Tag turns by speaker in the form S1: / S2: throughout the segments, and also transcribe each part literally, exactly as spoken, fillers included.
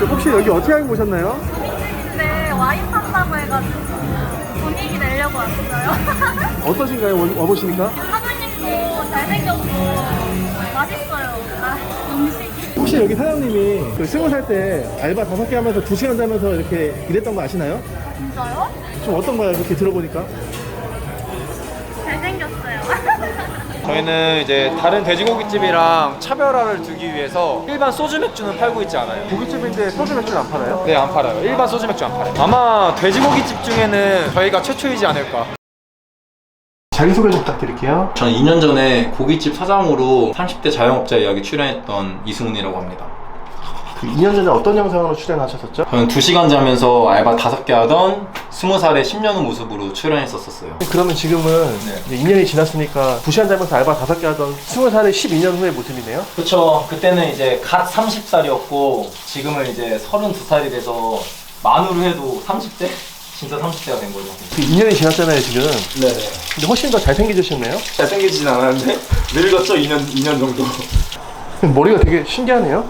S1: 혹시 여기 어떻게 알고 오셨나요?
S2: 고깃집인데 와인 판다고 해가지고 분위기 내려고 왔어요.
S1: 어떠신가요? 와- 와보시니까?
S2: 사장님도 잘생겼고 맛있어요. 아, 음식이.
S1: 혹시 여기 사장님이 그 스무 살 때 알바 다섯 개 하면서 두 시간 자면서 이렇게 일했던 거 아시나요?
S2: 진짜요?
S1: 좀 어떤가요? 이렇게 들어보니까?
S2: 잘생겼어요.
S3: 저희는 이제 다른 돼지고기집이랑 차별화를 두기 위해서 일반 소주 맥주는 팔고 있지 않아요.
S1: 고깃집인데 소주 맥주는 안 팔아요?
S3: 네, 안 팔아요. 일반 소주 맥주 안 팔아요. 아마 돼지고기집 중에는 저희가 최초이지 않을까.
S1: 자기소개 좀 부탁드릴게요.
S4: 저는 이 년 전에 고깃집 사장으로 삼십 대 자영업자 이야기 출연했던 이승훈이라고 합니다.
S1: 그 이 년 전에 어떤 영상으로 출연하셨었죠?
S4: 저는 두 시간 자면서 알바 다섯 개 하던 스무 살의 십 년 후 모습으로 출연했었어요.
S1: 그러면 지금은
S4: 네.
S1: 이제 이 년이 지났으니까 두 시간 자면서 알바 다섯 개 하던 스무 살의 십이 년 후의 모습이네요?
S4: 그렇죠. 그때는 이제 갓 서른 살이었고 지금은 이제 서른두 살이 돼서 만으로 해도 삼십 대? 진짜 삼십 대가 된 거죠.
S1: 그 이 년이 지났잖아요 지금.
S4: 네네.
S1: 근데 훨씬 더 잘생기셨네요?
S4: 잘생기진 않았는데 늙었죠? 이 년, 이 년 정도.
S1: 머리가 되게 신기하네요?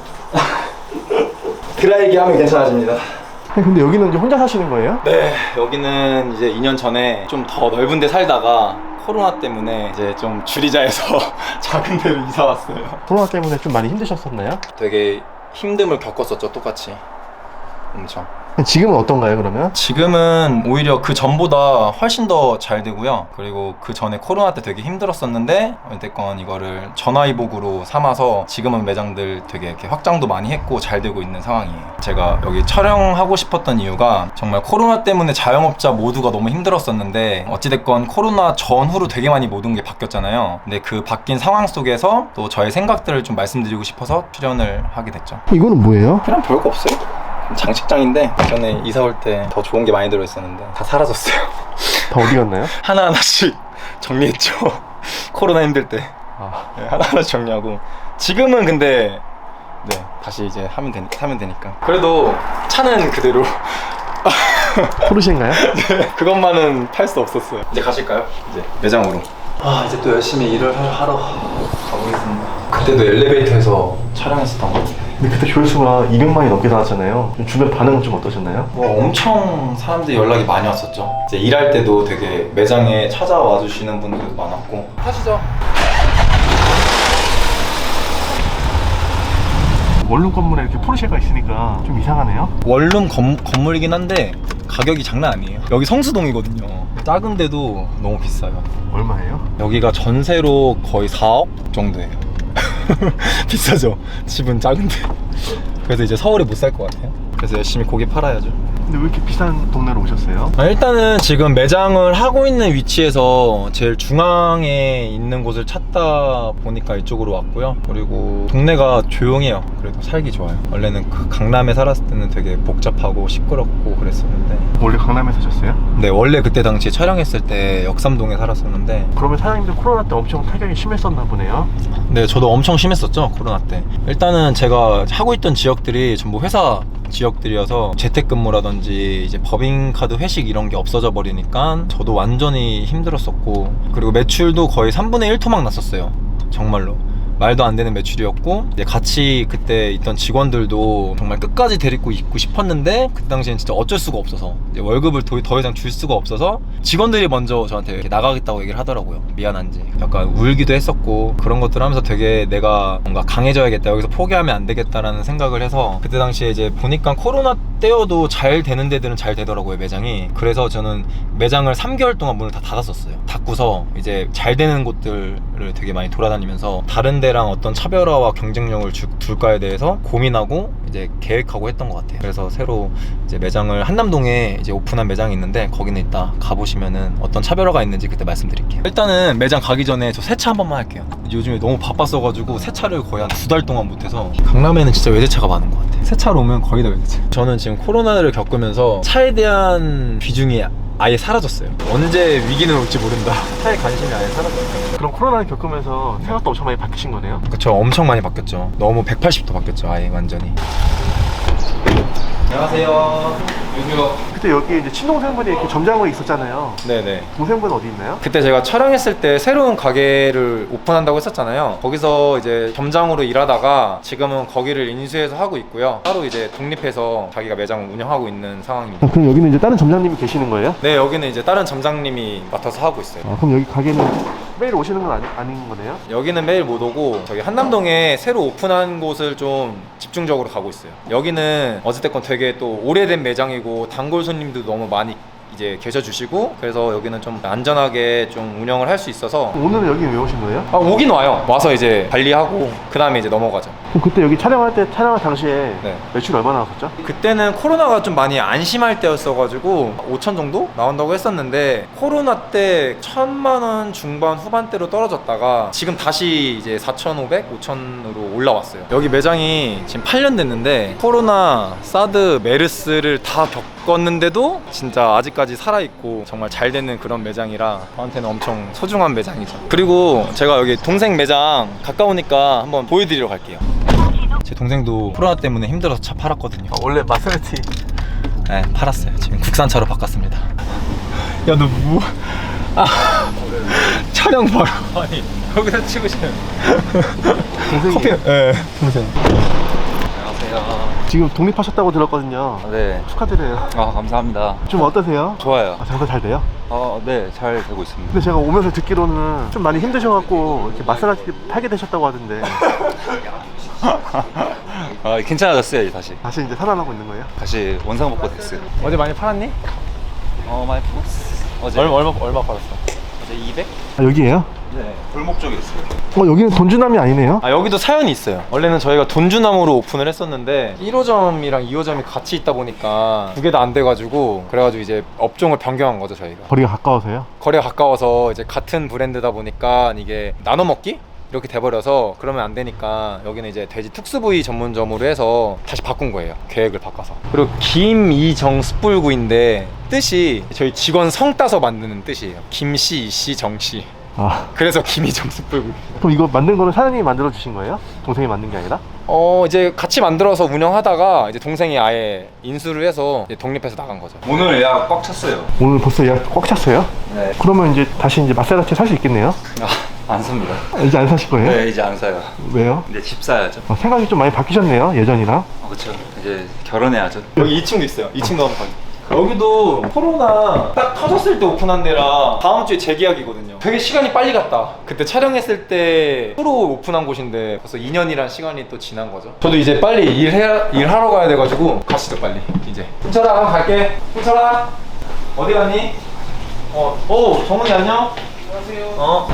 S4: 드라이기 하면 괜찮아집니다.
S1: 근데 여기는 이제 혼자 사시는 거예요?
S4: 네, 여기는 이제 이 년 전에 좀 더 넓은 데 살다가 코로나 때문에 이제 좀 줄이자 해서 작은 데로 이사 왔어요.
S1: 코로나 때문에 좀 많이 힘드셨었나요?
S4: 되게 힘듦을 겪었었죠, 똑같이. 엄청.
S1: 지금은 어떤가요 그러면?
S4: 지금은 오히려 그 전보다 훨씬 더 잘 되고요. 그리고 그 전에 코로나 때 되게 힘들었었는데 어쨌건 이거를 전화위복으로 삼아서 지금은 매장들 되게 이렇게 확장도 많이 했고 잘 되고 있는 상황이에요. 제가 여기 촬영하고 싶었던 이유가 정말 코로나 때문에 자영업자 모두가 너무 힘들었었는데 어찌됐건 코로나 전후로 되게 많이 모든 게 바뀌었잖아요. 근데 그 바뀐 상황 속에서 또 저의 생각들을 좀 말씀드리고 싶어서 출연을 하게 됐죠.
S1: 이거는 뭐예요?
S4: 그냥 별거 없어요. 장식장인데 전에 이사 올 때 더 좋은 게 많이 들어있었는데 다 사라졌어요.
S1: 다 어디 갔나요?
S4: 하나하나씩 정리했죠. 코로나 힘들 때
S1: 아,
S4: 네, 하나하나씩 정리하고 지금은 근데 네 다시 이제 하면 되, 사면 되니까 그래도 차는 그대로
S1: 포르쉐인가요?
S4: 네, 그것만은 팔 수 없었어요. 이제 가실까요? 이제 매장으로. 아 이제 또 열심히 일을 하러 가보겠습니다. 그때도 엘리베이터에서 촬영했었던 것 같아요.
S1: 근데 그때 조회수가 이백만이 넘게 나왔잖아요. 주변 반응은 좀 어떠셨나요?
S4: 뭐 엄청 사람들이 연락이 많이 왔었죠. 이제 일할 때도 되게 매장에 찾아와 주시는 분들도 많았고. 하시죠.
S1: 원룸 건물에 이렇게 포르쉐가 있으니까 좀 이상하네요.
S4: 원룸 건, 건물이긴 한데 가격이 장난 아니에요. 여기 성수동이거든요. 작은데도 너무 비싸요.
S1: 얼마예요?
S4: 여기가 전세로 거의 사억 정도예요. 비싸죠? 집은 작은데. 그래서 이제 서울에 못 살 것 같아요. 그래서 열심히 고기 팔아야죠.
S1: 근데 왜 이렇게 비싼 동네로 오셨어요?
S4: 아, 일단은 지금 매장을 하고 있는 위치에서 제일 중앙에 있는 곳을 찾다 보니까 이쪽으로 왔고요. 그리고 동네가 조용해요. 그래도 살기 좋아요. 원래는 그 강남에 살았을 때는 되게 복잡하고 시끄럽고 그랬었는데
S1: 원래 강남에 사셨어요?
S4: 네, 원래 그때 당시에 촬영했을 때 역삼동에 살았었는데
S1: 그러면 사장님들 코로나 때 엄청 타격이 심했었나 보네요.
S4: 네, 저도 엄청 심했었죠, 코로나 때. 일단은 제가 하고 있던 지역들이 전부 회사 지역들이어서 재택근무라든지 이제 법인카드 회식 이런 게 없어져 버리니까 저도 완전히 힘들었었고, 그리고 매출도 거의 삼분의 일 토막 났었어요. 정말로 말도 안 되는 매출이었고, 이제 같이 그때 있던 직원들도 정말 끝까지 데리고 있고 싶었는데 그 당시엔 진짜 어쩔 수가 없어서 이제 월급을 더, 더 이상 줄 수가 없어서 직원들이 먼저 저한테 이렇게 나가겠다고 얘기를 하더라고요. 미안한지 약간 울기도 했었고, 그런 것들 하면서 되게 내가 뭔가 강해져야겠다, 여기서 포기하면 안 되겠다라는 생각을 해서 그때 당시에 이제 보니까 코로나 때여도 잘 되는 데들은 잘 되더라고요, 매장이. 그래서 저는 매장을 삼 개월 동안 문을 다 닫았었어요. 닫고서 이제 잘 되는 곳들을 되게 많이 돌아다니면서 다른 데랑 어떤 차별화와 경쟁력을 주, 둘까에 대해서 고민하고 이제 계획하고 했던 것 같아요. 그래서 새로 이제 매장을 한남동에 이제 오픈한 매장이 있는데 거기는 이따 가보시면은 어떤 차별화가 있는지 그때 말씀드릴게요. 일단은 매장 가기 전에 저 세차 한 번만 할게요. 요즘에 너무 바빴어가지고 세차를 거의 한 두 달 동안 못해서. 강남에는 진짜 외제차가 많은 것 같아요. 세차로 오면 거의 다 외제차. 저는 지금 코로나를 겪으면서 차에 대한 비중이 아예 사라졌어요. 언제 위기는 올지 모른다. 차에 관심이 아예 사라졌어요.
S1: 그럼 코로나를 겪으면서 생각도 엄청 많이 바뀌신 거네요?
S4: 그쵸, 엄청 많이 바뀌었죠. 너무 백팔십 도 바뀌었죠, 아예 완전히.
S3: 안녕하세요. 안녕하세요.
S1: 그때 여기 이제 친동생분이 이렇게 점장으로 있었잖아요.
S3: 네네.
S1: 동생분은 어디 있나요?
S3: 그때 제가 촬영했을 때 새로운 가게를 오픈한다고 했었잖아요. 거기서 이제 점장으로 일하다가 지금은 거기를 인수해서 하고 있고요. 따로 이제 독립해서 자기가 매장을 운영하고 있는 상황입니다.
S1: 아, 그럼 여기는 이제 다른 점장님이 계시는 거예요?
S3: 네, 여기는 이제 다른 점장님이 맡아서 하고 있어요.
S1: 아, 그럼 여기 가게는 매일 오시는 건 아니, 아닌 거네요?
S3: 여기는 매일 못 오고 저기 한남동에 새로 오픈한 곳을 좀 집중적으로 가고 있어요. 여기는 어찌됐건 되게 또 오래된 매장이고 단골 손님도 너무 많이 이제 계셔주시고 그래서 여기는 좀 안전하게 좀 운영을 할 수 있어서
S1: 오늘은 여기 왜 오신 거예요?
S3: 아, 오긴 와요. 와서 이제 관리하고 그 다음에 이제 넘어가죠.
S1: 그럼 그때 여기 촬영할 때 촬영할 당시에
S3: 네.
S1: 매출 얼마나 나왔었죠?
S3: 그때는 코로나가 좀 많이 안심할 때였어가지고 오천 정도 나온다고 했었는데 코로나 때 천만 원 중반 후반대로 떨어졌다가 지금 다시 이제 사천오백, 오천으로 올라왔어요. 여기 매장이 지금 팔 년 됐는데 코로나, 사드, 메르스를 다 겪었는데도 진짜 아직까지 살아있고 정말 잘 되는 그런 매장이라 저한테는 엄청 소중한 매장이죠. 그리고 제가 여기 동생 매장 가까우니까 한번 보여드리러 갈게요.
S4: 제 동생도 코로나 때문에 힘들어서 차 팔았거든요.
S1: 아, 원래 마세라티
S4: 네, 팔았어요. 지금 국산차로 바꿨습니다. 야, 너 뭐? 아, 촬영 바로.
S3: 아니 여기서 찍으시는
S1: 동생이
S4: 커피. 네, 동생.
S3: 안녕하세요.
S1: 지금 독립하셨다고 들었거든요.
S5: 네.
S1: 축하드려요.
S5: 아, 감사합니다.
S1: 좀 어떠세요?
S5: 좋아요.
S1: 아, 장사 잘 돼요?
S5: 어, 네, 잘 되고 있습니다.
S1: 근데 제가 오면서 듣기로는 좀 많이 힘드셔갖고 이렇게 마사라티 팔게 되셨다고 하던데
S5: 아, 괜찮아졌어요, 이제 다시.
S1: 다시 이제 살아나고 있는 거예요?
S5: 다시 원상복구 됐어요.
S3: 어제 많이 팔았니?
S5: 어, 많이 풀었어. 어제.
S3: 얼마 얼마 얼마 팔았어?
S5: 어제 이백?
S1: 아, 여기에요?
S5: 네. 골목 쪽에 있어요.
S1: 어, 여기는 돈주남이 아니네요?
S3: 아 여기도 사연이 있어요. 원래는 저희가 돈주남으로 오픈을 했었는데 일 호점이랑 이 호점이 같이 있다 보니까 두 개 다 안 돼가지고 그래가지고 이제 업종을 변경한 거죠 저희가.
S1: 거리가 가까워서요?
S3: 거리가 가까워서 이제 같은 브랜드다 보니까 이게 나눠 먹기? 이렇게 돼버려서 그러면 안 되니까 여기는 이제 돼지 특수부위 전문점으로 해서 다시 바꾼 거예요. 계획을 바꿔서. 그리고 김이정 숯불구이인데 뜻이 저희 직원 성 따서 만드는 뜻이에요. 김씨, 이씨, 정씨.
S1: 아,
S3: 그래서 김이정 숯불구이.
S1: 그럼 이거 만든 거는 사장님이 만들어 주신 거예요? 동생이 만든 게 아니라?
S3: 어 이제 같이 만들어서 운영하다가 이제 동생이 아예 인수를 해서 이제 독립해서 나간 거죠.
S5: 오늘 예약 꽉 찼어요.
S1: 오늘 벌써 예약 꽉 찼어요?
S5: 네.
S1: 그러면 이제 다시 이제 마세라티 살 수 있겠네요?
S5: 아, 안 삽니다.
S1: 이제 안 사실 거예요?
S5: 네, 이제 안 사요.
S1: 왜요?
S5: 이제 집 사야죠.
S1: 어, 생각이 좀 많이 바뀌셨네요, 예전이랑.
S5: 어, 그쵸. 이제 결혼해야죠.
S3: 여기 이 층도 있어요. 이 층도 한번 가요. 여기도 코로나 딱 터졌을 때 오픈한 데라 다음 주에 재계약이거든요. 되게 시간이 빨리 갔다. 그때 촬영했을 때 프로 오픈한 곳인데 벌써 이 년이란 시간이 또 지난 거죠. 저도 이제 빨리 일해, 일하러 가야 돼가지고 가시죠 빨리 이제. 훈철아 한번 갈게. 훈철아 어디 갔니? 어, 오 정훈이 안녕? 안녕하세요. 어.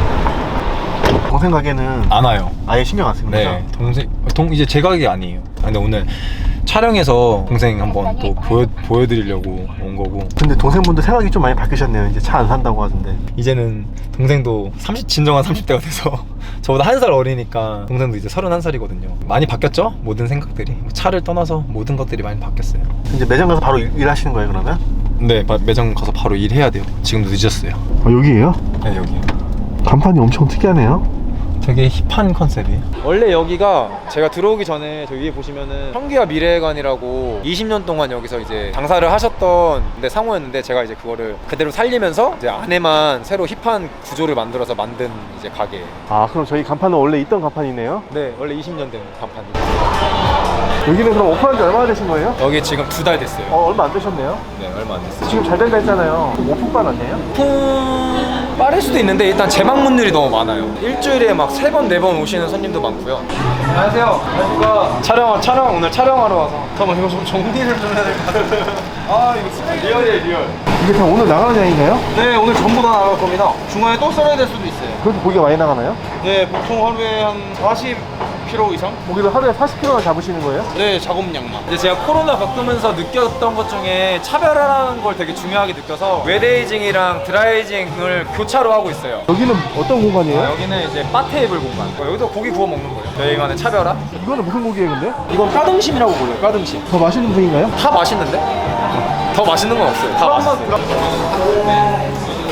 S1: 동생 가게는
S4: 안 와요.
S1: 아예 신경 안 쓰는 거죠?
S4: 네, 동생 동 이제 제 가게 아니에요. 아, 근데 오늘 촬영해서 동생 한번 또 보여 보여드리려고 온 거고.
S1: 근데 동생분도 생각이 좀 많이 바뀌셨네요. 이제 차 안 산다고 하던데.
S4: 이제는 동생도 삼십 진정한 삼십 대가 돼서 저보다 한 살 어리니까 동생도 이제 서른한 살이거든요. 많이 바뀌었죠? 모든 생각들이. 차를 떠나서 모든 것들이 많이 바뀌었어요.
S1: 이제 매장 가서 바로 일, 일하시는 거예요, 그러면?
S4: 네, 마- 매장 가서 바로 일해야 돼요. 지금도 늦었어요.
S1: 아, 여기에요?
S4: 네, 여기.
S1: 간판이 엄청 특이하네요.
S4: 되게 힙한 컨셉이에요.
S3: 원래 여기가 제가 들어오기 전에 저 위에 보시면은 청기와 미래관이라고 이십 년 동안 여기서 이제 장사를 하셨던 데 상호였는데 제가 이제 그거를 그대로 살리면서 이제 안에만 새로 힙한 구조를 만들어서 만든 이제 가게예요.
S1: 아, 그럼 저희 간판은 원래 있던 간판이네요?
S3: 네, 원래 이십 년 된 간판이에요.
S1: 여기는 그럼 오픈한 지 얼마나 되신 거예요?
S3: 여기 지금 두 달 됐어요.
S1: 어, 얼마 안 되셨네요?
S3: 네, 얼마 안 됐어요.
S1: 지금 잘 된다 했잖아요. 오픈반 아니에요?
S3: 오픈 빠를 수도 있는데 일단 재방문율이 너무 많아요. 일주일에 막 세 번, 네 번 오시는 손님도 많고요. 안녕하세요. 안녕하십니까. 촬영, 촬영, 오늘 촬영하러 와서. 잠깐만, 이거 좀 정리를 좀 해야 될 것 같은데. 아, 이거 쓰레기. 리얼이에요, 리얼.
S1: 이게 다 오늘 나가는 양인가요?
S6: 네, 오늘 전부 다 나갈 겁니다. 중간에 또 썰어야 될 수도 있어요.
S1: 그렇게 고기가 많이 나가나요?
S6: 네, 보통 하루에 한 사십 킬로그램 이상?
S1: 고기를 하루에 사십 킬로그램나 잡으시는 거예요?
S6: 네, 작업량만.
S3: 이제 제가 코로나 겪으면서 느꼈던 것 중에 차별화라는 걸 되게 중요하게 느껴서 웨데이징이랑 드라이징을 교차로 하고 있어요.
S1: 여기는 어떤 공간이에요?
S3: 아, 여기는 이제 바 테이블 공간. 어, 여기도 고기 구워 먹는 거예요. 저희만의 차별화?
S1: 이거는 무슨 고기예요, 근데?
S3: 이건 까등심이라고 불러요. 까등심.
S1: 더 맛있는 부위인가요?
S3: 다 맛있는데? 더 맛있는 건 없어요. 다 맛있어요.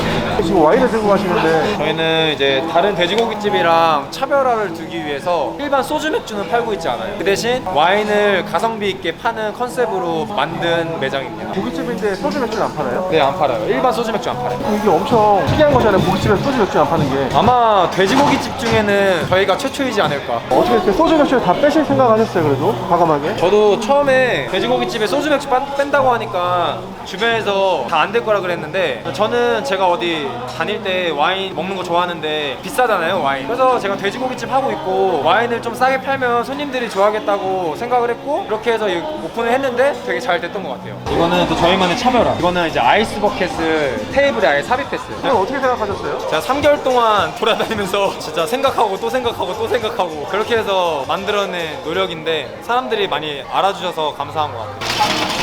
S1: 지금 와인을 들고 가시는데
S3: 저희는 이제 다른 돼지고기집이랑 차별화를 두기 위해서 일반 소주 맥주는 팔고 있지 않아요. 그 대신 와인을 가성비 있게 파는 컨셉으로 만든 매장입니다.
S1: 고깃집인데 소주 맥주는 안 팔아요?
S3: 네, 안 팔아요. 일반 소주 맥주 안 팔아요.
S1: 이게 엄청 특이한 거잖아요. 고깃집에서 소주 맥주 안 파는 게.
S3: 아마 돼지고기집 중에는 저희가 최초이지 않을까.
S1: 어떻게 이렇게 소주 맥주를 다 빼실 생각 하셨어요, 그래도? 과감하게?
S3: 저도 처음에 돼지고기집에 소주 맥주 빤- 뺀다고 하니까 주변에서 다 안 될 거라 그랬는데, 저는 제가 어디 다닐 때 와인 먹는 거 좋아하는데 비싸잖아요, 와인. 그래서 제가 돼지고기집 하고 있고 와인을 좀 싸게 팔면 손님들이 좋아하겠다고 생각을 했고, 이렇게 해서 오픈을 했는데 되게 잘 됐던 것 같아요. 이거는 또 저희만의 차별화. 이거는 이제 아이스 버켓을 테이블에 아예 삽입했어요.
S1: 이건 어떻게 생각하셨어요?
S3: 제가 삼 개월 동안 돌아다니면서 진짜 생각하고 또 생각하고 또 생각하고 그렇게 해서 만들어낸 노력인데, 사람들이 많이 알아주셔서 감사한 것 같아요.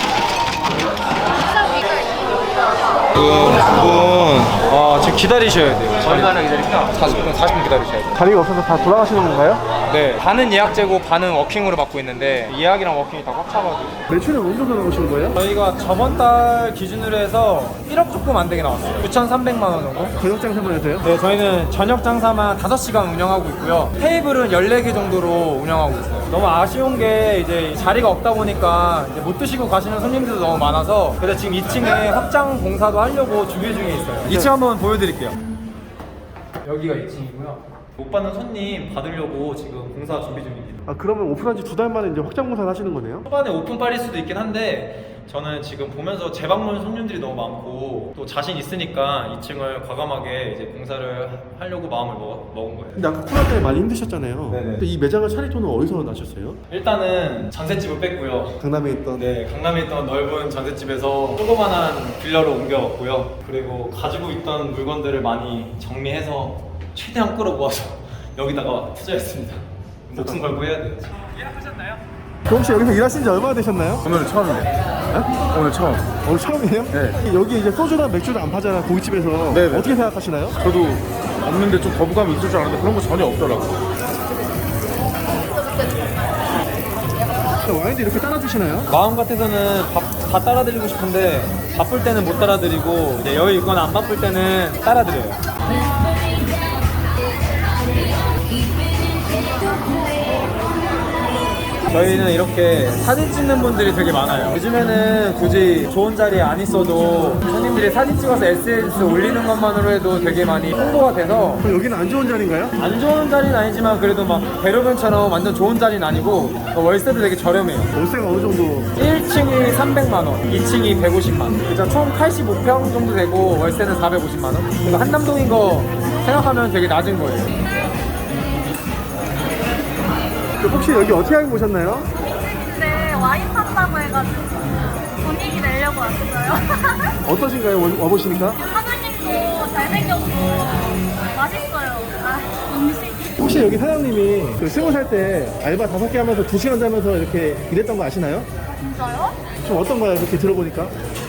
S3: 그 분, 아, 지금 기다리셔야 돼요. 얼마나 기다릴까? 사십 분, 사십 분 기다리셔야 돼요.
S1: 자리가 없어서 다 돌아가시는 건가요?
S3: 네, 반은 예약제고 반은 워킹으로 받고 있는데 예약이랑 워킹이 다 꽉 차가지고.
S1: 매출은 어느 정도 나오시는 거예요?
S3: 저희가 저번 달 기준으로 해서 일억 조금 안 되게 나왔어요. 구천삼백만 원 정도?
S1: 저녁 장사만 해서요?
S3: 네, 저희는 저녁 장사만 다섯 시간 운영하고 있고요. 테이블은 열네 개 정도로 운영하고 있어요. 너무 아쉬운 게 이제 자리가 없다 보니까 이제 못 드시고 가시는 손님들도 너무 많아서, 그래서 지금 이 층에 확장 공사도 하려고 준비 중에 있어요. 이 층 한번 보여드릴게요. 여기가 이 층이고요. 못 받는 손님 받으려고 지금 공사 준비 중입니다.
S1: 아, 그러면 오픈한 지 두 달 만에 이제 확장 공사를 하시는 거네요?
S3: 초반에 오픈빨일 수도 있긴 한데, 저는 지금 보면서 재방문 손님들이 너무 많고 또 자신 있으니까 이 층을 과감하게 이제 공사를 하려고 마음을 먹, 먹은 거예요.
S1: 근데 아까 코로나 때문에 많이 힘드셨잖아요.
S3: 네네.
S1: 근데 이 매장을 차릴 돈은 어디서 나셨어요?
S3: 일단은 전셋집을 뺐고요.
S1: 강남에 있던.
S3: 네, 강남에 있던 넓은 전셋집에서 조그만한 빌라로 옮겨왔고요. 그리고 가지고 있던 물건들을 많이 정리해서 최대한 끌어모아서 여기다가 투자했습니다. 목숨 걸고 해야 돼요.
S1: 그럼 혹시 여기서 일하신 지 얼마나 되셨나요?
S6: 오늘 처음이에요.
S1: 네?
S6: 오늘 처음.
S1: 오늘 처음이에요?
S6: 네.
S1: 여기 이제 소주랑 맥주를 안 파잖아, 고깃집에서.
S6: 네네.
S1: 어떻게 생각하시나요?
S6: 저도 없는데 좀 거부감이 있을 줄 알았는데 그런 거 전혀 없더라고요.
S1: 와인도 이렇게 따라주시나요?
S3: 마음 같아서는 밥, 다 따라드리고 싶은데 바쁠 때는 못 따라드리고, 이제 여유 있거나 안 바쁠 때는 따라드려요. 저희는 이렇게 사진 찍는 분들이 되게 많아요. 요즘에는 굳이 좋은 자리에 안 있어도 손님들이 사진 찍어서 에스엔에스 올리는 것만으로 해도 되게 많이 홍보가 돼서,
S1: 그럼 여기는 안 좋은 자리인가요?
S3: 안 좋은 자리는 아니지만 그래도 막 대로변처럼 완전 좋은 자리는 아니고 월세도 되게 저렴해요.
S1: 월세가 어느 정도?
S3: 일 층이 삼백만 원, 이 층이 백오십만 원. 그래서 총 팔십오 평 정도 되고 월세는 사백오십만 원. 그래서 한남동인 거 생각하면 되게 낮은 거예요.
S1: 혹시 여기 어떻게 알고 오셨나요?
S2: 네, 와인 판다고 해가지고 분위기 내려고 왔어요.
S1: 어떠신가요? 와- 와보시니까?
S2: 사장님도 잘생겼고 맛있어요. 아, 음식이.
S1: 혹시 여기 사장님이 그 스무 살 때 알바 다섯 개 하면서 두 시간 자면서 이렇게 일했던 거 아시나요?
S2: 진짜요?
S1: 좀 어떤가요? 이렇게 들어보니까?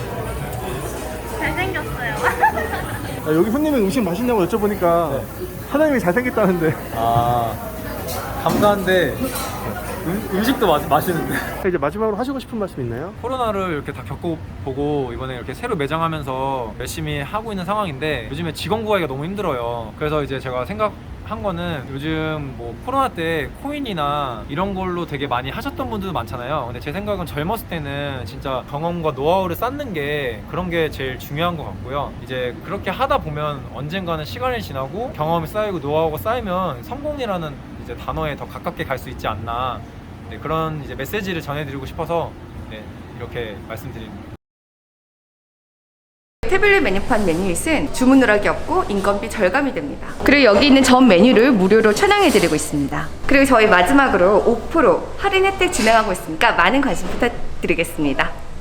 S2: 잘생겼어요.
S1: 아, 여기 손님은 음식 맛있냐고 여쭤보니까 사장님이 잘생겼다는데.
S3: 아, 감사한데 음, 음식도 마, 맛있는데.
S1: 이제 마지막으로 하시고 싶은 말씀 있나요?
S3: 코로나를 이렇게 다 겪어보고 이번에 이렇게 새로 매장하면서 열심히 하고 있는 상황인데, 요즘에 직원 구하기가 너무 힘들어요. 그래서 이제 제가 생각한 거는, 요즘 뭐 코로나 때 코인이나 이런 걸로 되게 많이 하셨던 분들도 많잖아요. 근데 제 생각은 젊었을 때는 진짜 경험과 노하우를 쌓는 게, 그런 게 제일 중요한 것 같고요. 이제 그렇게 하다 보면 언젠가는 시간이 지나고 경험이 쌓이고 노하우가 쌓이면 성공이라는 이제 단어에 더 가깝게 갈 수 있지 않나, 네, 그런 이제 메시지를 전해드리고 싶어서 네, 이렇게 말씀드립니다.
S7: 태블릿 메뉴판 메뉴잇은 주문 누락이 없고 인건비 절감이 됩니다. 그리고 여기 있는 전 메뉴를 무료로 촬영해드리고 있습니다. 그리고 저희 마지막으로 오 퍼센트 할인 혜택 진행하고 있으니까 많은 관심 부탁드리겠습니다.